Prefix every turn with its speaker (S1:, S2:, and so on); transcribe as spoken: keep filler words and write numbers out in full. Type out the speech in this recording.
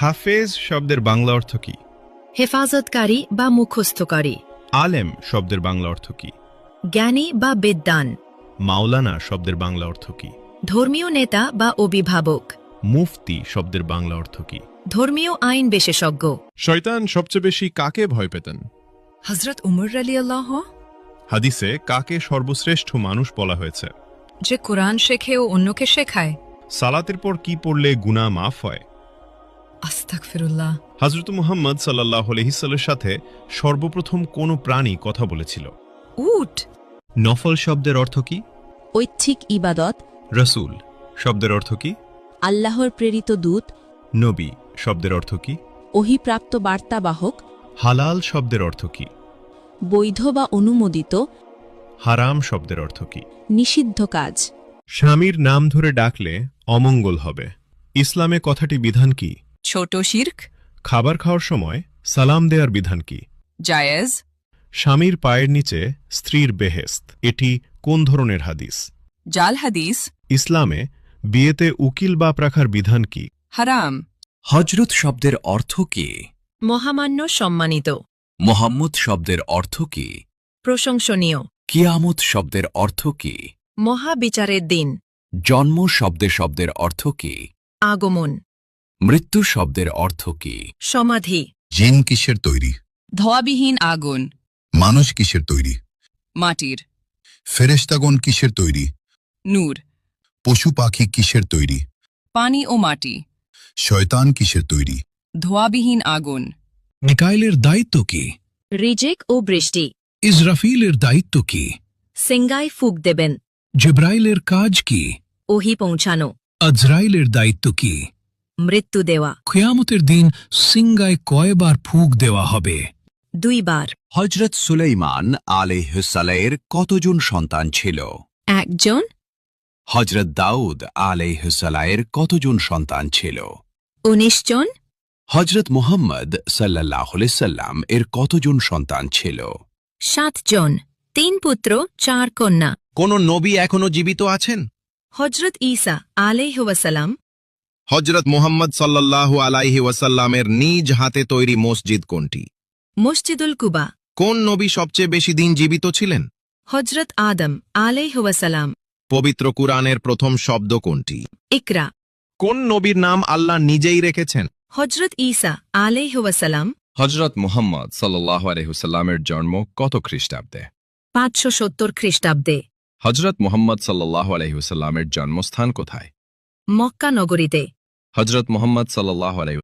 S1: হাফেজ শব্দের বাংলা অর্থ কি?
S2: হেফাজতকারী বা মুখস্থকারী।
S1: আলেম শব্দের বাংলা অর্থ কি?
S2: জ্ঞানী বা বিদ্বান।
S1: মাওলানা শব্দের বাংলা অর্থ কি?
S2: ধর্মীয় নেতা বা অভিভাবক।
S1: মুফতি শব্দের বাংলা অর্থ কি?
S2: ধর্মীয় আইন বিশেষজ্ঞ।
S1: শয়তান সবচেয়ে বেশি কাকে ভয় পেতেন?
S2: হযরত উমর রাদিয়াল্লাহু।
S1: হাদিসে কাকে সর্বশ্রেষ্ঠ মানুষ বলা হয়েছে?
S2: যে কোরআন শেখে ও অন্যকে শেখায়।
S1: সালাতের পর কি পড়লে গুনাহ মাফ হয়?
S2: আস্তাগফিরুল্লাহ।
S1: হযরত মুহাম্মদ সাল্লাল্লাহু আলাইহি সাল্লামের সাথে সর্বপ্রথম কোন প্রাণী কথা বলেছিল?
S2: উট।
S1: নফল শব্দের অর্থ কি?
S3: ঐচ্ছিক ইবাদত।
S1: রাসূল শব্দের অর্থ কি?
S3: আল্লাহর প্রেরিত দূত।
S1: নবী শব্দের অর্থ কি?
S3: ওহীপ্রাপ্ত বার্তাবাহক।
S1: হালাল শব্দের অর্থ কি?
S3: বৈধ বা অনুমোদিত।
S1: হারাম শব্দের অর্থ কি?
S3: নিষিদ্ধ কাজ।
S1: স্বামীর নাম ধরে ডাকলে অমঙ্গল হবে। ইসলামে কথাটি বিধান কি?
S4: ছোট শিরক।
S1: খাবার খাওয়ার সময় সালাম দেওয়ার বিধান কি?
S4: জায়েজ।
S1: স্বামীর পায়ের নিচে স্ত্রীর বেহেশত, এটি কোন ধরনের হাদিস?
S4: জাল হাদিস।
S1: ইসলামে বিয়েতে উকিল বাপ রাখার বিধান কি?
S4: হারাম।
S5: হজরত শব্দের অর্থ কি?
S2: মহামান্য, সম্মানিত।
S5: মোহাম্মদ শব্দের অর্থ কি?
S2: প্রশংসনীয়।
S5: কিয়ামত শব্দের অর্থ কি?
S2: মহাবিচারের দিন।
S5: জন্ম শব্দের শব্দের অর্থ কি?
S2: আগমন।
S5: মৃত্যু শব্দের অর্থ কি?
S2: সমাধি।
S6: জিন কিসের তৈরি?
S4: ধোয়াবিহীন আগুন।
S6: মানুষ কিসের তৈরি?
S4: মাটির।
S6: ফেরেশতাগণ কিসের তৈরি?
S4: নূর।
S6: পশু পাখি কিসের তৈরি?
S4: পানি ও মাটি।
S6: শয়তান কিসের তৈরি?
S4: ধোয়াবিহীন আগুন।
S7: মিকাইলের দায়িত্ব কি?
S2: রিজিক ও বৃষ্টি।
S7: ইসরাফিলের দায়িত্ব কি?
S2: সিঙ্গায় ফুক দেবেন।
S7: জিব্রাইলের কাজ কি?
S2: ওহী পৌঁছানো।
S7: আজরাইলের দায়িত্ব কি?
S2: মৃত্যু দেওয়া।
S7: কিয়ামতের দিন সিঙ্গায় কয়বার ফুঁক দেওয়া হবে?
S2: দুইবার।
S5: হজরত সুলাইমান আলাইহিসসালামের কতজন সন্তান ছিল?
S2: একজন।
S5: হজরত দাউদ আলাইহিসসালামের কতজন সন্তান ছিল?
S2: উনিশ জন।
S5: হজরত মুহাম্মদ সাল্লাল্লাহু আলাইহি সাল্লাম এর কতজন সন্তান ছিল?
S2: সাত জন। তিন পুত্র, চার কন্যা।
S8: কোন নবী এখনো জীবিত আছেন?
S2: হজরত ঈসা আলাইহি ওয়াসাল্লাম।
S8: হজরত মুহাম্মদ সাল্লাল্লাহু আলাইহি ওয়াসাল্লামের নিজ হাতে তৈরি মসজিদ কোনটি?
S2: মসজিদুল কুবা।
S8: কোন নবী সবচেয়ে বেশি দিন জীবিত ছিলেন?
S2: হজরত আদম আলাইহি ওয়াসাল্লাম।
S8: পবিত্র কুরআনের প্রথম শব্দ কোনটি?
S2: ইকরা।
S8: কোন নবীর নাম আল্লাহ নিজেই রেখেছেন?
S2: হজরত ঈসা আলাইহি ওয়াসাল্লাম।
S9: হজরত মুহাম্মদ সাল্লাল্লাহু আলাইহি ওয়াসাল্লামের জন্ম কত খ্রিস্টাব্দে?
S2: পাঁচশো সত্তর খ্রিস্টাব্দে।
S9: হজরত মুহাম্মদ সাল্লাল্লাহু আলাইহি ওয়াসাল্লামের জন্মস্থান কোথায়?
S2: মক্কা নগরীতে।
S9: হজরত মুহাম্মদ সাল্লাল্লাহু আলাইহি